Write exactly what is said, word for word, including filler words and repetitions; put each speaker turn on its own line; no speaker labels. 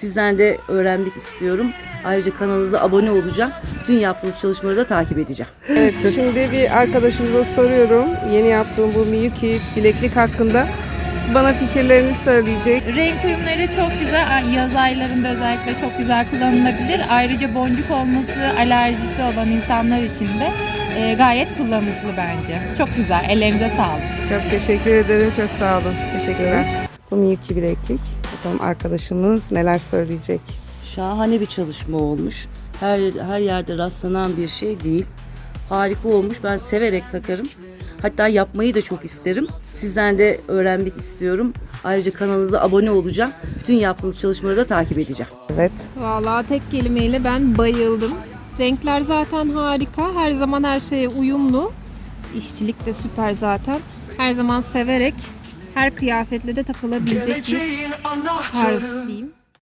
Sizden de öğrenmek istiyorum. Ayrıca kanalınıza abone olacağım. Bütün yaptığınız çalışmaları da takip edeceğim.
Evet, şimdi bir arkadaşımıza soruyorum. Yeni yaptığım bu Miyuki bileklik hakkında bana fikirlerini söyleyecek.
Renk uyumları çok güzel. Yaz aylarında özellikle çok güzel kullanılabilir. Ayrıca boncuk olması alerjisi olan insanlar için de e, gayet kullanışlı bence. Çok güzel. Ellerinize sağlık.
Çok teşekkür ederim. Çok sağ olun. Teşekkürler. Bu Miyuki bileklik. Bakalım arkadaşımız neler söyleyecek.
Şahane bir çalışma olmuş. Her, her yerde rastlanan bir şey değil. Harika olmuş. Ben severek takarım. Hatta yapmayı da çok isterim. Sizden de öğrenmek istiyorum. Ayrıca kanalınıza abone olacağım. Bütün yaptığınız çalışmaları da takip edeceğim.
Evet.
Vallahi tek kelimeyle ben bayıldım. Renkler zaten harika. Her zaman her şeye uyumlu. İşçilik de süper zaten. Her zaman severek her kıyafetle de takılabilecek bir tarz diyeyim.